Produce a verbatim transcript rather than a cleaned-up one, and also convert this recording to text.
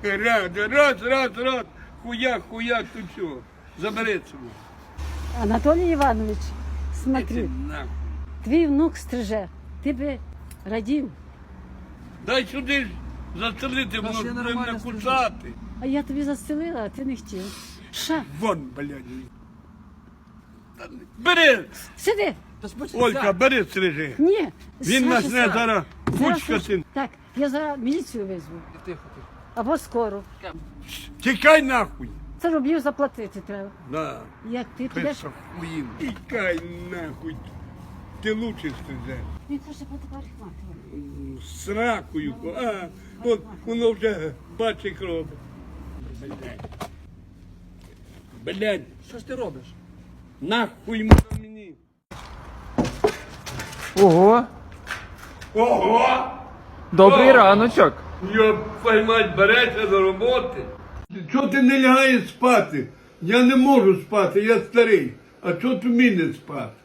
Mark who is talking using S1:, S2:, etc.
S1: Раз, раз, раз, раз. Хуяк, хуяк, тут все. Забери цього.
S2: Анатолій Іванович,
S1: Іди
S2: смотри,
S1: нахуй.
S2: твій внук стриже, ти би радів.
S1: Дай сюди ж застрелити, воно
S3: ще
S1: ж буде
S3: нормально
S1: накусати.
S2: А я тобі застелила, а ти не хотів. Ша,
S1: Вон, блядь. Та не- Бери!
S2: сиди!
S3: Та спочатку.
S1: Олька, бери стрижи.
S2: Ні,
S1: Він
S2: Саша,
S1: нас не
S2: Саша.
S1: зараз
S2: Зараз
S1: кучкати.
S2: Саша- Так, я зараз міліцію визву.
S3: Тихо, тихо.
S2: Або скоро.
S1: Тікай нахуй.
S2: Це рублів заплатити треба.
S1: Да.
S2: Як ти підеш?
S1: Писа хуїв. Тікай нахуй. Ти лучше стрижеш.
S2: Він каже, потепер
S1: З ракою. А, от воно вже бачить кров. Блядь. Блядь,
S3: Що ж ти робиш?
S1: нахуй воно мені.
S4: Ого,
S1: Ого!
S4: добрий
S1: О!
S4: раночок.
S1: Я поймать береться до роботи. Чого ти не лягаєш спати? Я не можу спати, я старий. А чого ти мені спати?